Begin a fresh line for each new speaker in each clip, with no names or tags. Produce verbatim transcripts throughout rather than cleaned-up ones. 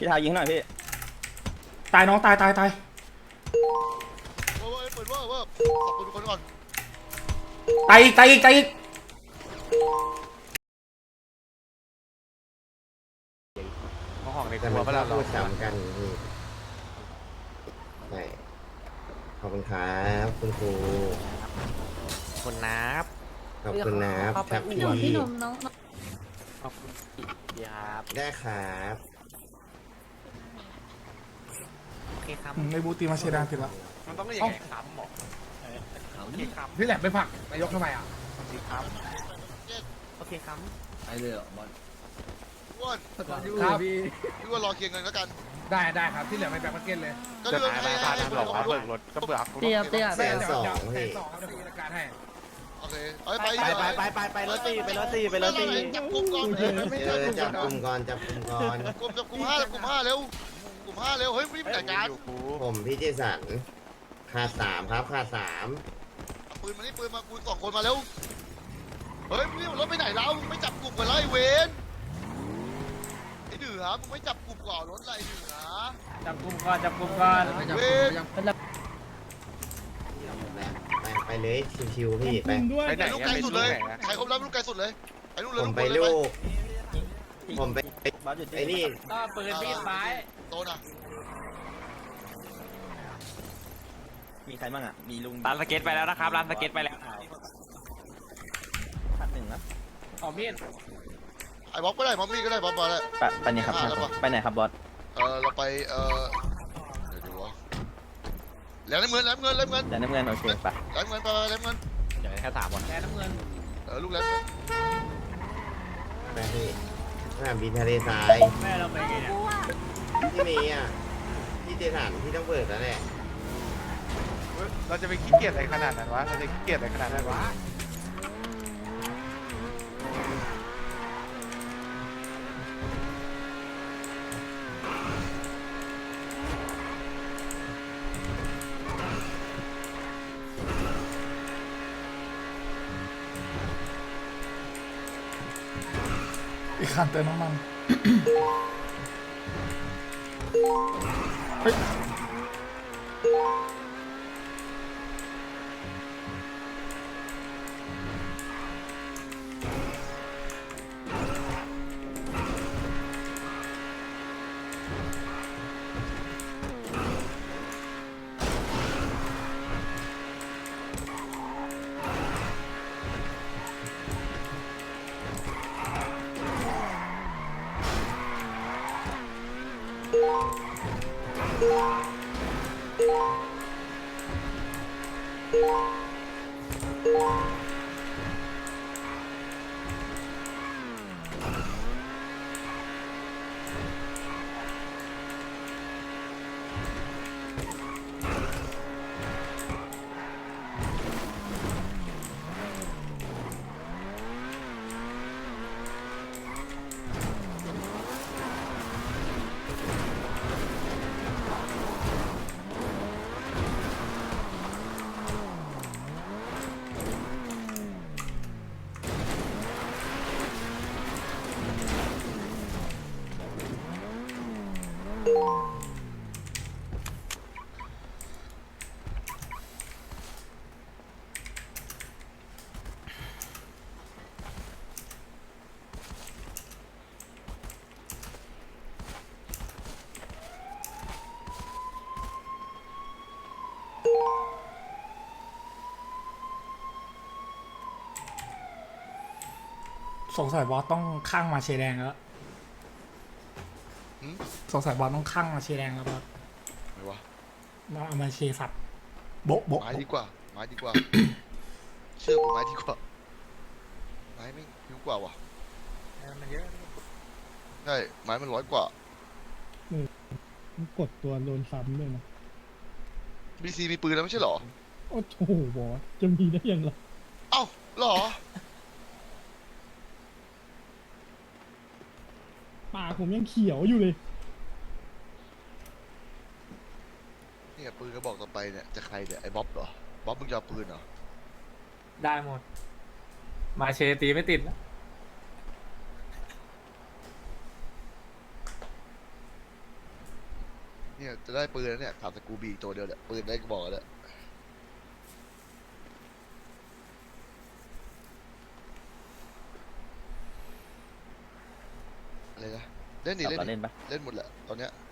พี่ทายิงหน่อยพี่
ตายน้องตายตายตาย
เว้ยเปิดเว้ยเว้ยขอบคุณทุกคนก่อน
ตายอีกตายอีกตายอีก
เขาห้องในค
แต่
รัว
มัน
เวลา
ก็
เรา
พูดซ้ำกันพี่ใช่ขอบคุณครับคุณครู
คนนับ
ขอบคุณนะค
พี่
รับ
หนุ่มพี่หนุ่มน้อง
ขอบคุณพี่ครับ
ได้ครับ
โอเคครับ
ในบูตีมาเชดานติดแล้ว
มันต้องเรียกยังไงครับหมอโอเคครับ
พี่แหลมไปผลักนายกทำไมอ่ะ
โอเคครับโอเคครับ
อ้วน
ครับ
พี่ว่ารอเคลียร์เงินแล้วกัน
ได้ได้ครับที่เหลือไปแบ็คมาร์เก็ตเลย
ก็
จะ
เรื่อง
หาย
ให้
ไปพา
ให้
ทางหล
เบิ
อก
ก
ว่า
ด้ว
เบิ
ย
กรถก็เบิก
เตียบเตียบ
แสนสอง
แส
พี่
นสองครับเดี๋ยวพี่จัดการให้
โอเคเอาไป
ไปไปไปไปไปรถตีไปรถตีไปรถตี
จับกลุ่มก่อนไม่
เอ
ใช่
อจับกลุ่มก่อนจับกลุ่มก่อน
กลุ่มจับกลุ่มห้าจับกลุ่มห้าเร็วกลุ่มห้าเร็วเฮ้ยรีบจัดการ
อยู่กู
ผมพี่เจสันขาดสามครับขาดสาม
ปืนมานี่ปืนมากูสองคนมาเร็วเฮ้ยนี่รถไปไหนแล้วมึงไม่จับกลุ่มกันเลยไอ้เวนไอ้เหนือมึงไม่จับกลุ่มก่อนรถอะไรเหนือ
จับกลุ่มก่อนจับกลุ่มก่อน
เวน
ไปไปเลยชิวๆพี่ไป
ไปไหน
ลูก
อะ
ไกล
ไป
สุด
เล
เลย
ย
ใครครบแล้วลูกไกลสุดเลยไอ้ลูกเลย
ผม
ลูก
ไป
เลย
ลูก ผมไป
บอสหยุด
ไอ้นี่
ก็ปืนมีดไม้
โตนะ
มีใครบ้างอ่ะมีลุง
ร้านสเก็ตไปแล้วนะครับร้านสเก็ตไปแล้ว
พันหนึ่งนะ
เอามีด
ไอ้บ๊อบก็ได้บ๊อบมี่ก็ได้บ๊อบมาแล้ว
ไปไปเนี่ยครับไปไหนครับบอส
เออเราไปเออเดี๋ยวดูวะแล้วน้ำเงินแล้วน้ำเงินแล้วน้ำเงิน
แต่น้ำเงินโอเคไป
แล้วน้ำเงินไปไปแล้วน้ำเงิน
เดี๋ยวแค่สามวัน
แทนน้ำเงิน
เออลูกแล้วน้ำเงิน
ไปพี่สนามบินทะเลทราย
แม่เราไปไงเนี่ย
ที่นี่อ่ะพี่เจสันพี่ต้องเปิดแล้วแหละ
เราจะไปขี้เกียจอะไรขนาดนั้นวะเราจะขี้เกียจอะไรขนาดนั้นวะ
อีกคันเติมน้ำมันเฮ้ยสงสัยบอสต้องข้างมาเชแดงแล้วสงสัยบอสต้องข้างมาเชแดงแล้วบอส
ไหนวะ
มาเอามาเชสับโบ๊ะโบ๊ะ
ไม้ดีกว่าไม้ดีกว่า เชื่อกูไม้ดีกว่าไม้ไม่ผิวกว่าว่ะ
มันเยอะ
ใช่ไม้มันร้อยกว่า
กดตัวโดนซ้ำด้วยนะ
บีซีมีปืนแล้วไม่ใช่เหรอ
โอ้โหบอสจะมีได้ยังไง
เอ้าเหรอ
ปากผมยังเขียวอยู่เลย
เนี่ยปืนกระบอกต่อไปเนี่ยจะใครเนี่ยไอ้บ๊อบเหรอบ๊อบมึงจะเอาปืนเหรอ
ได้หมด มาเชตีไม่ติดนะ
เนี่ยจะได้ปืนแล้วเนี่ยถามสกูบีตัวเดียวเนี่ยปืนได้ก็บอกแล้วอะไรนะเล่นดิ
ขับ
เล่น
ต่อ
ดิ
เล่นปะ
เล่นหมดแหละตอนเนี้ย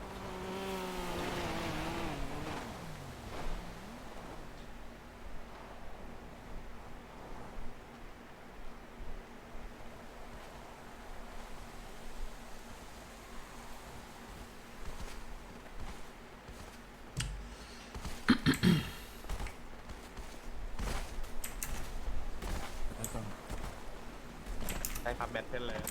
ได้ครับแบทเทิลเลย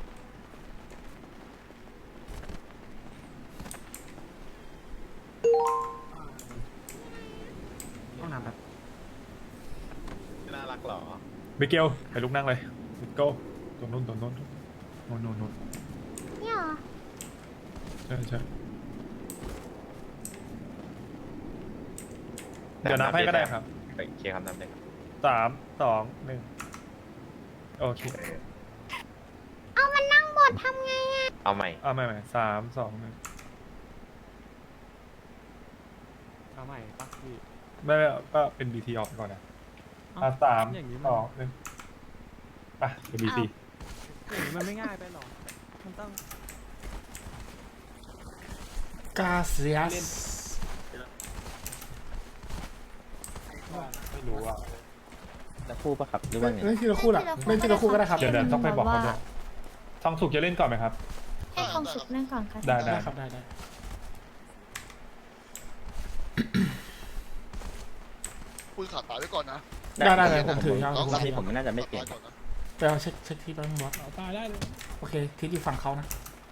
ห้องน้ำครับน่ารักเหรอ
มิเกลไปลุกนั่งเลยมิเกลตรงนู้นตรงนู้นโน่นโน่นโน่น
เนี่ยเหรอ
ใช่ใช่เดี๋ยวนับให้ก็ได้ครับ
โอเคครับนับเลยครับ
สามสองหนึ่งโอเค
เอามันนั่งบดทำไงอะ
เอาใหม่
เอาใหม่ใหม่สามสองหนึ่ง
เอาใหม่ปะพี่
ไม่ไม่ก็เป็น บี ที ออกไปก่อนนะอ่ะสามสองหนึ่งไปเป็น บี ที
อย่างนี้มันไม่ง่ายไปหรอ มันต้อง
กาเซียส
ไม่รู้อ่ะ
แล้วคู่ปะครับหรือว่าไง
เล่นทีละคู่แหละเล่นทีละคู่ก็ได้ครับ
เดี๋ยวเดี๋ยวต้องไปบอกเขาด้วยทองสุกจะเล่นก่อนไหมครับ
ให้ความสุขนั่งก่อนค่ะ
ได้
ได้ครับได้ได้
ปืนขาดตายไว้ก่อนนะ
ได้ได้ได้ผมถือยาว
น้อง
ผม
ขาด
ถือ
ผมน่าจะไม่เปลี่ยน
ขาดตายก่อนนะ
ไปเอาเช็คเช็คที่บ้านบอส
เอาตายได้เลย
โอเคที่ที่ฝั่งเขานะ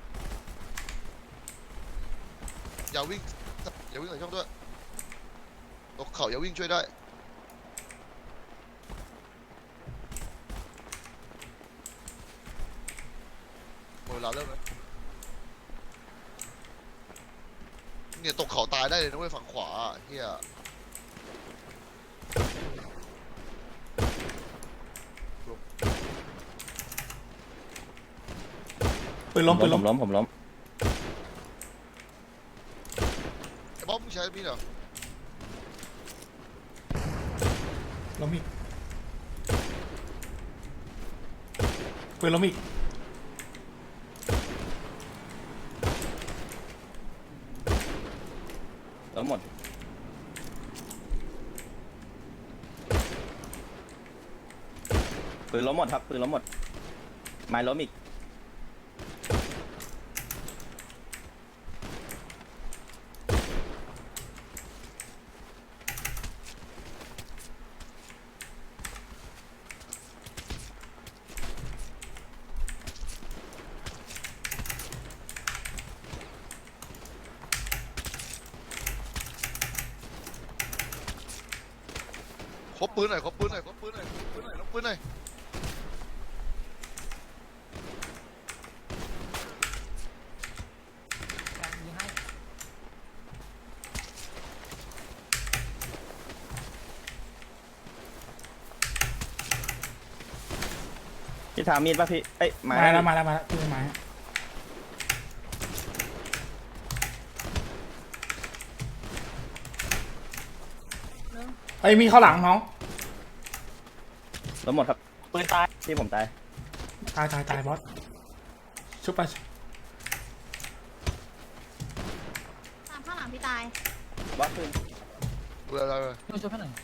อย่าวิ่งอย่าวิ่งใส่ช่องด้วยตกเข่าอย่าวิ่งช่วยได้หมดเวลาเริ่มแล้วเนี่ยตกเข่าตายได้เลยนะเว้ยฝั่งขวาเฮีย
ปืนล้มปืน
ผ
ล้ม
มล้มผมล้ม
ไอ้บ๊อบมึงใช้มีดเหรอ
ล้มอีกปืนล้มอีก
ล้มหมดปืนล้มหมดครับปืนล้มหมดไม้ล้มอีก
ครบปืนหน่อยครบปืนหน่อยครบปืนหน่อยครบปืนหน่อยครบปืนหน่อย
พี่ทามีดป่ะพี่เอ้ยไม้
มาแล้วมาแล้วมาแล้วพี่ไม้ไอ้ยมีเข้าหลังน้อง
ล้มหมดครับปืนตายที่ผมตาย
ตายตายตายบอสชุบไป
ตามข้างหลังพี่ตาย
บอสปืน
ปืนอะไรเลย
ช่วยช่วยหน่อย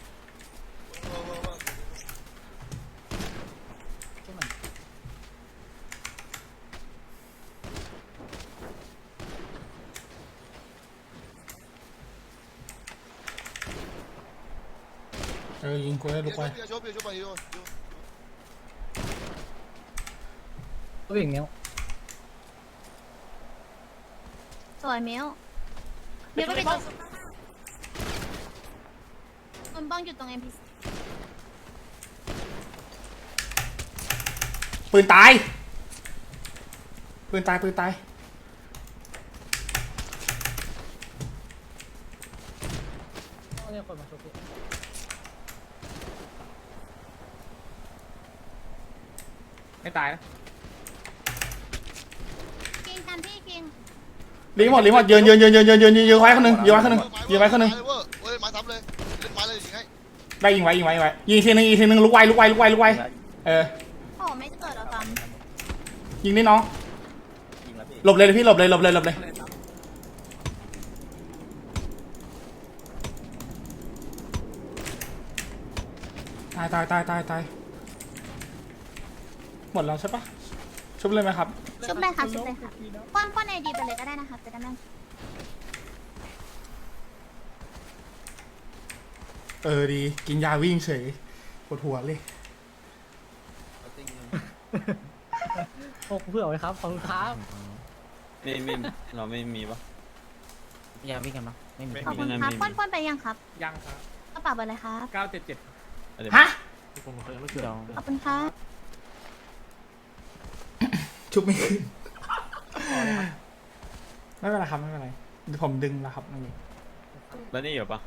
เออยิงกูได้ลูกไป
เบียร์ชกเบียร์ชกไปโยน
ตัวอย่างเนี้ย
สวยมิวเดี๋ยวก็ไปตรงมันบ้องอยู่ตรง เอ็ม พี ซี
ปืนตายปืนตายปืนตาย
เรียกคนมาช่วยไม่ตายนะ
กิงกันพี่กิง
รีหมดรีหมดยืนยืนยืนยืนยืนยืนยืนไว้คนหนึ่งยืนไว้คนหนึ่งยืนไว้คนหนึ่ง
เว้ยมาทำเลยเล่นไม้เลยยิงให้
ได้ยิงไว้ยิงไว้ยิงไว้ยิงทีนึงอีกทีนึงลุกไวลุกไวลุกไวลุกไวเออ
โอ้ไม่เกิดเอาตาม
ยิงนี่น้อง
ยิงแล้วพี่
หลบเลยพี่หลบเลยหลบเลยหลบเลยตายตายตายตายตายหมดแล้วใช่ปะชุบเลยไหมครับ
ชุบเลยค่ะชุบเลยค่ะป้อนป้อนไอดีไปเลยก็ได้นะคะจะได้ไม่
เออดีกินยาวิ่งเฉยปวดหัวเลย
โอ้เพื่อไว้ครับขอบคุณครับ
ไม่ไม่เราไม่มีปะ
อย่าวิ่งกันมั้ไม่มี
ขอบคุณครับป้อนป้อนไปยังครับ
ยังครับ
กระเป๋าเบอร์อะไรครับ
เก้าเจ็ดเจ็ด
ฮะ
ผมเคยไม่เกี่ยว
ขอบคุณครับ
ชุบไม่ขึ้นไม่เป็นไรครับไม่เป็นไรเดี๋ยวผมดึงแล้วครับนี่
แล้วนี่อยู่ปะ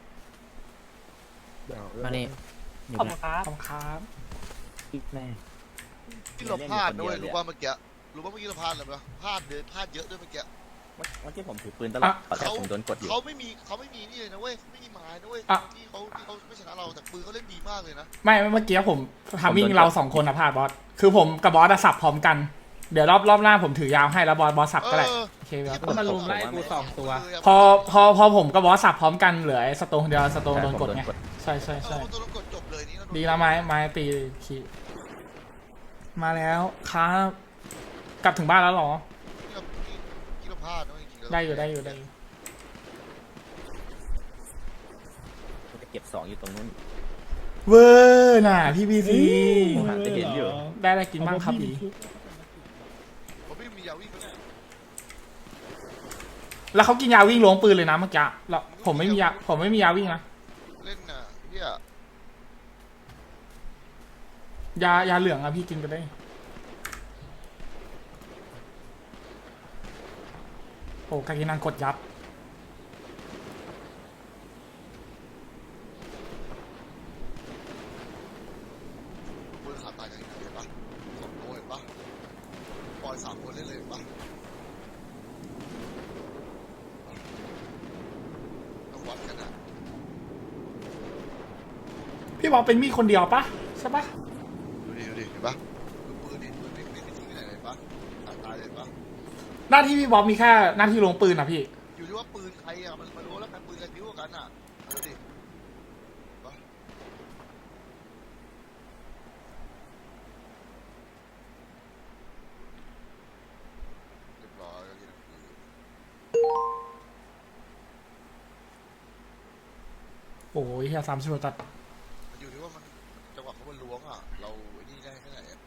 มานี่
ขอบคุณครับขอบคุณครับ
แม่
ที่เราพลาดด้วยรู้ป่ะเมื่อกี้รู้ป่ะเมื่อกี้เราพลาดอะไรไหมพลาดเลยพลาดเยอะด้วยเมื่อกี้
เมื่อกี้ผมถือปืนตลอดแต่ผมโดนกดอยู่
เขาไม่มีเขาไม่มีนี่เลยนะเว้ยไม่มีไม้นะเว้ยที่เขาที่เขาไม่ชนะเราแต่ปืนเขาเล่นดีมากเลยนะ
ไม่เมื่อกี้ผมทำวิ่งเราสองคนอะพลาดบอสคือผมกับบอสอะสับพร้อมกัน เดี๋ยวรอบรอบหน้าผมถือยาวให้แล้วบอสบอสสับก็ได้โอเคครับ
ก็มาลุมไล่กูสองตัว
พอพอพอผมกับบอสสับพร้อมกันเหลือไอ้สโตนเดียวสโตนโดนกดไงใช่ใช่
เอ
ใช่
อตัวเรากดจบเลยนี่
ดีแล้วไม้ไม้ตีขีมาแล้วครับกลับถึงบ้านแล้วเหรอ
ที่เราพลาดนะจริงๆ
ได้อยู่ได้อยู่ได้อยู่
จะเก็บสองอยู่ตรงนู้น
เวอร์น่ะพี่บีซี
ผมหาจะเห็นอยู่
ได้อะไรกินบ้างครับอี
ผมไม่มียาวิ่งเลย
แล้วเขากินยาวิ่งล้วงปืนเลยนะเมื่อกี้แล้วผมไม่มียาผมไม่มียาวิ่งนะ
เล่นน่ะเนี่ย
ยายาเหลืองอะพี่กินไปได้โอ้กากินังกดยับ
ปืนขาดตายกันเห็นปะสองตัวเห็นปะปล่อยสามคนเล่นเลยเห็นปะต้องวัดกันนะ
พี่บอกเป็นมีดคนเดียวปะใช่ปะ
ดูดิดูดิเห็นปะดูปืนดิปืนไม่ไม่ทิ้งที่ไหนเลยปะขาดตายเลยปะ
หน้าที่พี่บอกมีแค่หน้าที่ลงปืนอะพี่
อยู่ที่ว่าปืนใครอะมันมันรู้แล้วกันปืนใครพิ้วกว่ากันอะดูดิปะเรียบร้อยแล้วนี่นะ
โอ้ยเฮียสามสิบตัด
มันอยู่ที่ว่ามันจังหวะเขามันล้วงอ่ะ เราไอ้นี่ได้แค่ไหนอะ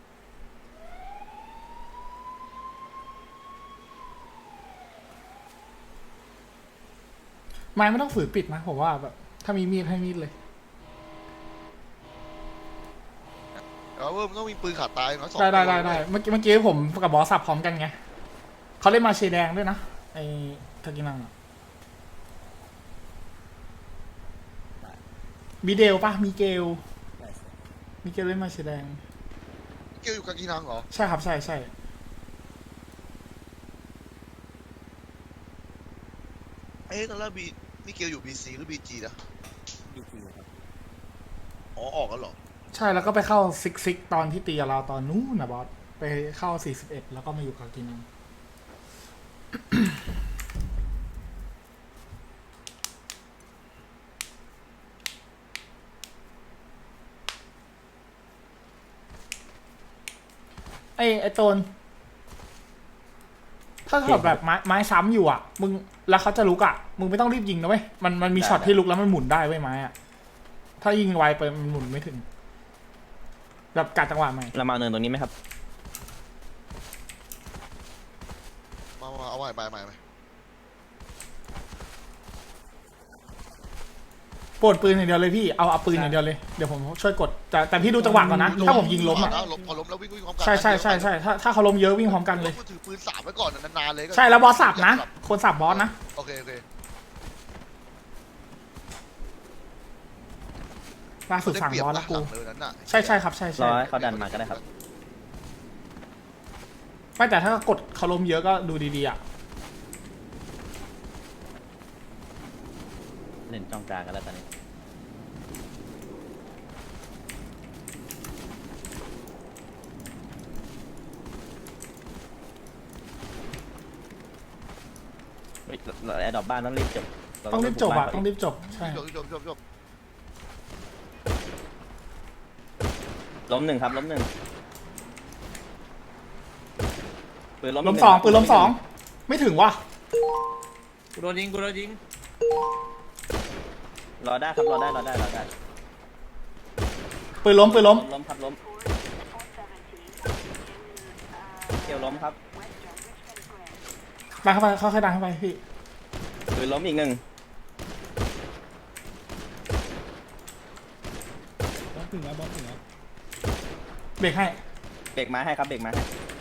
ไม้ไม่ต้องฝืนปิดนะผมว่าแบบถ้ามีมีดให้มีดเลย
แต่ว่ามันต้องมีปืนขาดตายเนาะสอง
ได้ได้
ตัว
ได้ได้เมื่อกี้เมื่อกี้ผมกับบอสสับพร้อมกันไงเขาเล่นมาเชแดงด้วยนะไอ้ทากินังอะมีเดลปะมีเกลมีเกลเล่นมาเชแดง
เกี่ยวอยู่กับกีนังเหรอ
ใช่ครับใช่ใช่
เอ๊ะตอนแรกบีนี่เกี่ยวอยู่บีซีหรือบีจีนะ
ดูปืนครับ
อ๋อออกแล้วเหรอ
ใช่แล้วก็ไปเข้าซิกซิกตอนที่ตีกับเราตอนนู้นนะบอสไปเข้าสี่สิบเอ็ดแล้วก็มาอยู่กับกินัง ไอ้ไอ้โตนถ้าแบบแบบไม้ไม้ซ้ำอยู่อ่ะมึงแล้วเขาจะลุกอ่ะมึงไม่ต้องรีบยิงนะเว้ยมันมันมีช็อตที่ลุกแล้วมันหมุนได้เว้ยไม้อ่ะถ้ายิงไวไปมันหมุนไม่ถึงแบบกัดจังหวะใหม่
เรามาเนินตรงนี้ไหมครับ
มามาเอาใหม่ใหม่ใหม่ใหม่
ปวดปืนอย่างเดียวเลยพี่เอาเอาปืนอย่างเดียวเลยเดี๋ยวผมช่วยกดแต่แต่พี่ดูจังหวะก่อนนะถ้าผมยิงล้มอ่ะ
ล้มพอล้มแล้ววิ่งวิ่งพร้อมกัน
ใช่ใช่ใช่ใช่ถ้าถ้าเขาล้มเยอะวิ่งพร้อมกันเลย
กูถือปืนสามไว้ก่อนนานๆเลย
ใช่แล้วบอสสับนะคนสับบอสนะ
โอเคโอเค
ล่าสุดสั่งบอสแล้วกู
หงเลยนั้นน่ะ
ใช่ใช่ครับใช่
ร
ใช่
อให้เขาดันมาก็ได้ครับ
ไม่แต่ถ้ากดเขาล้มเยอะก็ดูดีๆอ่ะ
เล่นจ้องกลางกันแล้วตอนนี้เฮ้ยเราแอร์ดรอปบ้านต้องรีบจบเา
ต้องรีบจบอะ
บุกาน
ต้องรีบจบใช่
จบจบจบจบ
ล้มหนึ่งครับล้มหนึ่งปืนล้ม
ล้ม
กหนึ่
สอง
ครับ
ปืนล้มสองไม่ถึงว่ะ
กูโดนยิงกูโดนยิง
รอได้ครับรอได้รอได้รอได้
ปืนล้มปืนล้ม
ล้มครับล้มเกี่ยวล้มครับ
ดันเข้าไปค่อยๆดันเข้าไปพี่
ปืนล้มอีกหนึ่ง
บอสถึงแล้วบอสถึงแล้ว
เบรกให้
เบรกไม้ให้ครับเบรกไม้ให้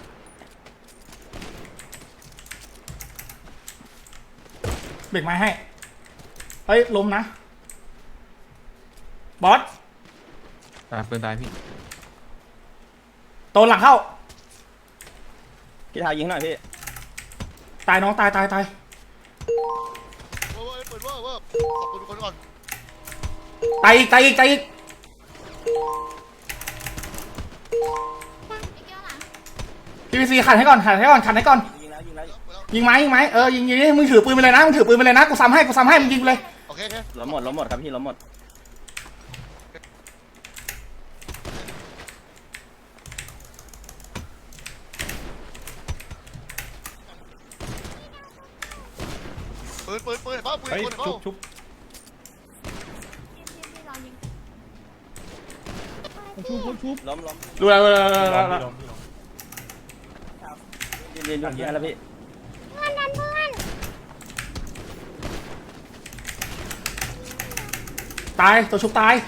เบรกไม้ให้เฮ้ยล้มนะบอส
ตายปืนตายพี่
โตนหลังเข้า
พี่เท้ายิงหน่อยพี่
ตายน้องตายตายตาย
เว้ยเปิดเว้ยเว้ยขอบคุณทุกคนก่อน
ตายอีกตายอีกตายอีก
ไอ้เกี้ยวหลัง
พีพีซีขันให้ก่อนขันให้ก่อนขันให้ก่อน
ยิงแล้วยิงแล้ว
เปิดแล้ว
ยิงไหมยิงไหมเออยิงยิงดิมึงถือปืนไปเลยนะมึงถือปืนไปเลยนะกูซ้ำให้กูซ้ำให้มึงยิงไปเลย
โอเคโอเค
ล้มหมดล้มหมดครับพี่ล้มหมด
ปืนปืนปืนเห็นป่ะปืน
เฮ้ย
ปืนเห็นป่ะ
ชุบชุบ
ที่รอยิง
เขาชุบเขาชุบ
ล้มล้ม
ดูแล้วดูแล้วดู
พี่
แล้ว
ล้
ดู
ม
แล้ว
พี่ล้มพี่ล้ม
ยืนยืนอยู่ที่นั่นแล้วพี่
เพื่อนดันเพื่อน
ตายตัวชุบตาย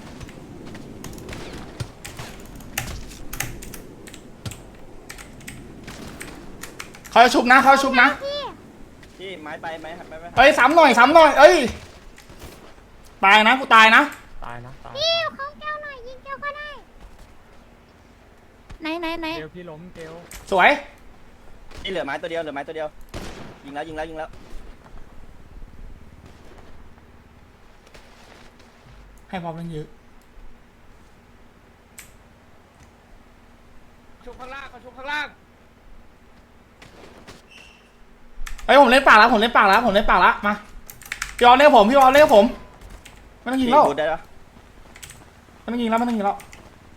เขาจะชุบนะเขาจะชุบนะ
พี่
พี่ไม้ไปไม้หักไปไม้หัก
เอ้ยซ้ำหน่อยซ้ำหน่อยเอ้ยตายนะกูตายนะ
ตายนะตาย
พี่เขาแก้วหน่อยยิงแก้วก็ได้ไหนไหนไหน
เกลพี่ล้มเกล
สวย
นี่เหลือไม้ตัวเดียวเหลือไม้ตัวเดียวยิงแล้วยิงแล้วยิงแล้ว
ให้พร้อมมันเยอะ
ชุบข้างล่างเขาชุบข้างล่าง
เอ้ยผมเล่นปากแล้วผมเล่นปากแล้วผมเล่นปากแล้วมาพี่ออลเล่นกับผมพี่ออลเล่นกับผมไม่ต้องยิงแล้ว
พูดได้ปะ
ไม่ต้องยิงแล้วไม่ต้องยิงแล้ว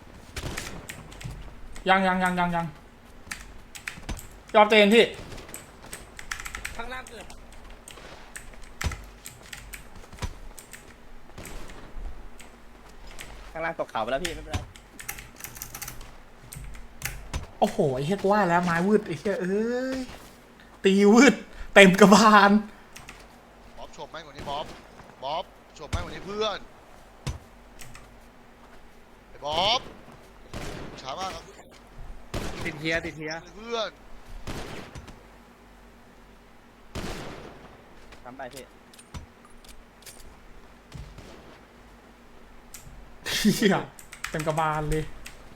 ยังยังยังยังยังยอมเตนพี่
ข้างล่างเกิด
ข้างล่างตกเขาไปแล้วพี่ไม่เป็นไร
โอ้โหไอ้เฮียกูว่าแล้วไม้วืดไอ้เฮียเอ้ยตีวืดเต็มกระบาล
บ๊อบโฉบแม่งกว่านี้บ๊อบบ๊อบโฉบแม่งกว่านี้เพื่อนไอ้บ๊อบช้ามากครับ
ติดเทียร์ติดเทียร์
เพื่อน
ทำไปพี่
เฮียเต็มกระบาลเลย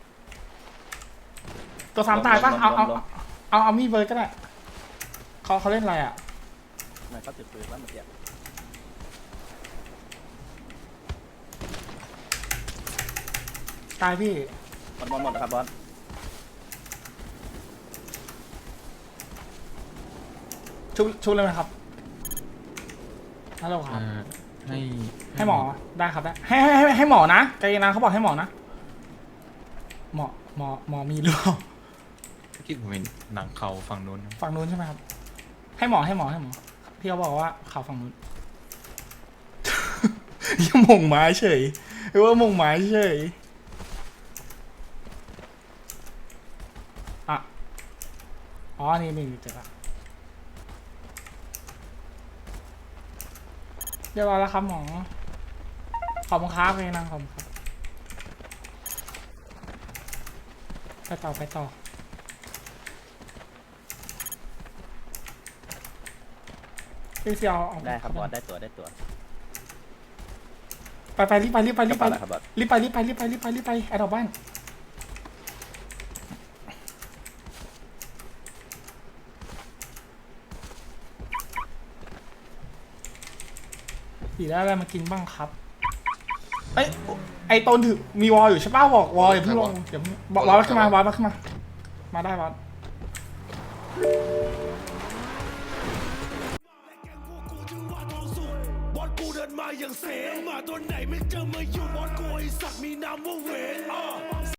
ตัวสามตายปะเอาเอาเอาเอามีดเบิร์ดก็ได้เขาเขาเล่นอะไรอ่ะ
ทำไมเขาถือปืนว่าเมื่อกี้
ตายพี่
หมดหมดหมดนะครับบอส
ชุบชุบเลยไหมครับฮัลโหลครับ
ให้
ให้หมอได้ครับได้ให้ให้ให้ให้หมอนะใจเย็นนะเขาบอกให้หมอนะหมอหมอหมอมีหรือเปล่า
คิดผมเป็นหนังเขาฝั่งนู้น
ฝั่งนู้นใช่ไหมครับ ให้หมอให้หมอให้หมอพี่เขาบอกว่าข่าวฝั่งนู้น ยังมงไม้เฉยหรือว่ามงไม้เฉยอ่ะอ๋อนี่นี่เจอละเรียบร้อยแล้วครับหมอขอบคุณครับเลยนางขอบคุณครับไปต่อไปต่อพี่เซียวเอา
ได้ครับบอสได้ตัวได้ตัว
ไปไปรีบไปรีบไปรีบไป
กระเป๋าอะไรครับบอส
รีบไปรีบไปรีบไปรีบไปรีบไปแอดดอกบ้านตีได้อะไรมากินบ้างครับเอ้ยไอตนถือมีวอลอยู่ใช่ป่ะบอกวอลอย่าเพิ่งลงเดี๋ยวบอกวอลขึ้นมาวอลขึ้นมามาได้วอล
บอสกูเดินมาอย่างเสมาตัวไหนไม่เจอมาอยู่บอสกูไอสัตว์มีนามว่าเวน